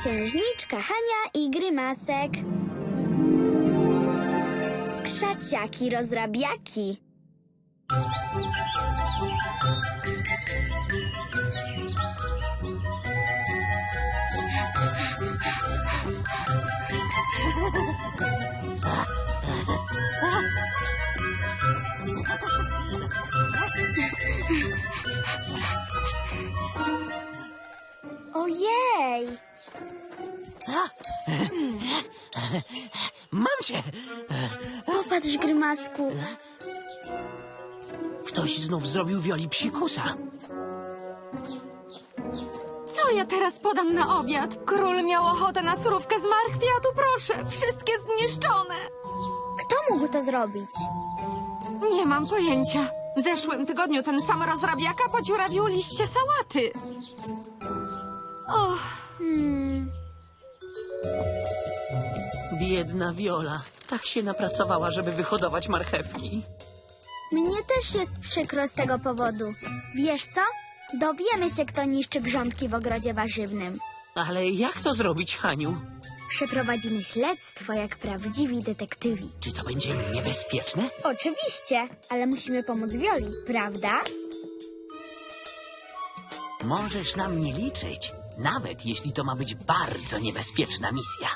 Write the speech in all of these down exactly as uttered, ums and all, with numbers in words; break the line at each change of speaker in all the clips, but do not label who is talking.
Księżniczka Hania i Grymasek. Skrzaciaki rozrabiaki. Ojej!
Mam cię!
Popatrz, Grymasku.
Ktoś znów zrobił Wioli psikusa.
Co ja teraz podam na obiad? Król miał ochotę na surówkę z marchwi, a tu proszę, wszystkie zniszczone.
Kto mógł to zrobić?
Nie mam pojęcia. W zeszłym tygodniu ten sam rozrabiaka podziurawił liście sałaty. Och,
Hmm.
Biedna Wiola. Tak się napracowała, żeby wyhodować marchewki.
Mnie też jest przykro z tego powodu. Wiesz co? Dowiemy się, kto niszczy grządki w ogrodzie warzywnym.
Ale jak to zrobić, Haniu?
Przeprowadzimy śledztwo jak prawdziwi detektywi.
Czy to będzie niebezpieczne?
Oczywiście, ale musimy pomóc Wioli, prawda?
Możesz na mnie liczyć, nawet jeśli to ma być bardzo niebezpieczna misja.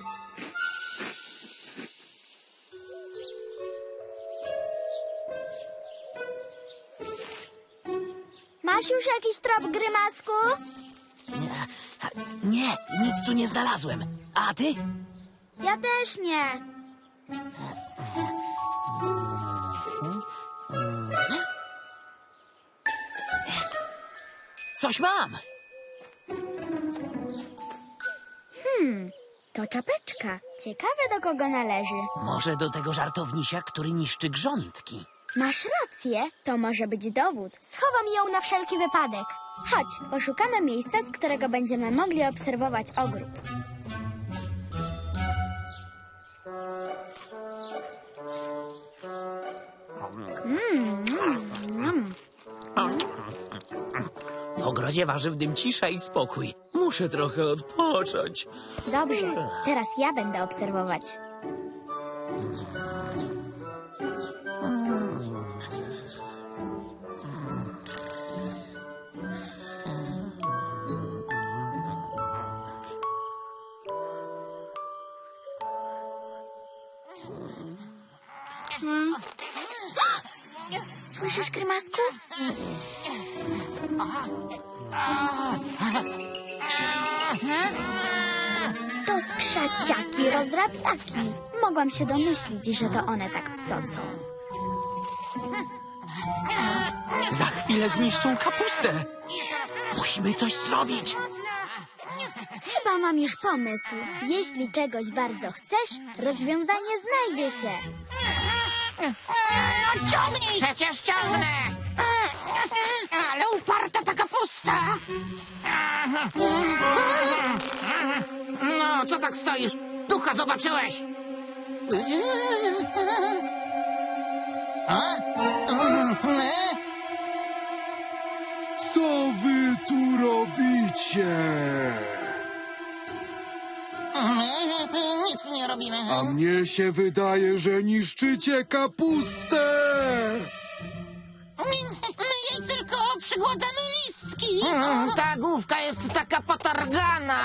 Masz już jakiś trop, Grymasku?
Nie, nie, nic tu nie znalazłem. A ty?
Ja też nie.
Coś mam.
Hmm, to czapeczka. Ciekawe, do kogo należy.
Może do tego żartownisia, który niszczy grządki.
Masz rację, to może być dowód. Schowam ją na wszelki wypadek. Chodź, poszukamy miejsca, z którego będziemy mogli obserwować ogród. Mm, mm, mm.
W ogrodzie warzywnym cisza i spokój. Muszę trochę odpocząć.
Dobrze, teraz ja będę obserwować. Hmm. Słyszysz, Grymasku? To skrzaciaki rozrabiaki. Mogłam się domyślić, że to one tak psocą.
Za chwilę zniszczą kapustę. Musimy coś zrobić.
Chyba mam już pomysł. Jeśli czegoś bardzo chcesz, rozwiązanie znajdzie się.
No ciągnij! Przecież ciągnę! Ale uparta ta kapusta! No, co tak stoisz? Ducha zobaczyłeś! A?
Co wy tu robicie?
Nic nie robimy.
A mnie się wydaje, że niszczycie kapustę!
My, my jej tylko przygładzamy listki. Ta główka jest taka potargana.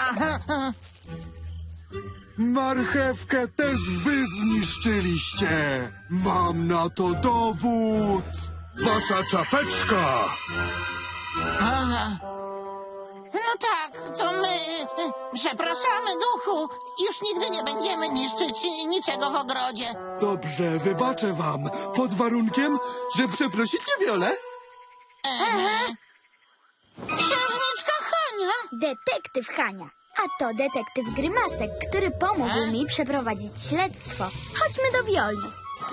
Marchewkę też wy zniszczyliście! Mam na to dowód! Wasza czapeczka!
Aha. No tak, to my. Przepraszamy, duchu. Już nigdy nie będziemy niszczyć niczego w ogrodzie.
Dobrze, wybaczę wam, pod warunkiem, że przeprosicie Wiolę.
Aha. Księżniczka Hania.
Detektyw Hania. A to detektyw Grymasek, który pomógł mi przeprowadzić śledztwo. Chodźmy do Wioli.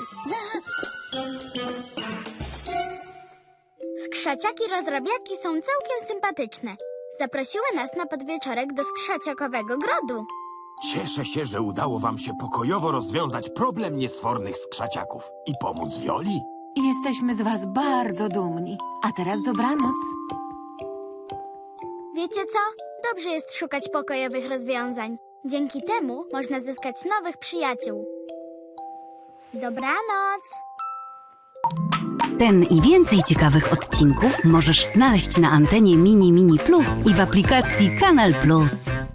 Skrzaciaki rozrabiaki są całkiem sympatyczne. Zaprosiły nas na podwieczorek do skrzaciakowego grodu.
Cieszę się, że udało wam się pokojowo rozwiązać problem niesfornych skrzaciaków i pomóc Wioli.
jesteśmy z was bardzo dumni. A teraz dobranoc.
Wiecie co? Dobrze jest szukać pokojowych rozwiązań. Dzięki temu można zyskać nowych przyjaciół. Dobranoc!
Ten i więcej ciekawych odcinków możesz znaleźć na antenie Mini Mini Plus i w aplikacji Kanal Plus.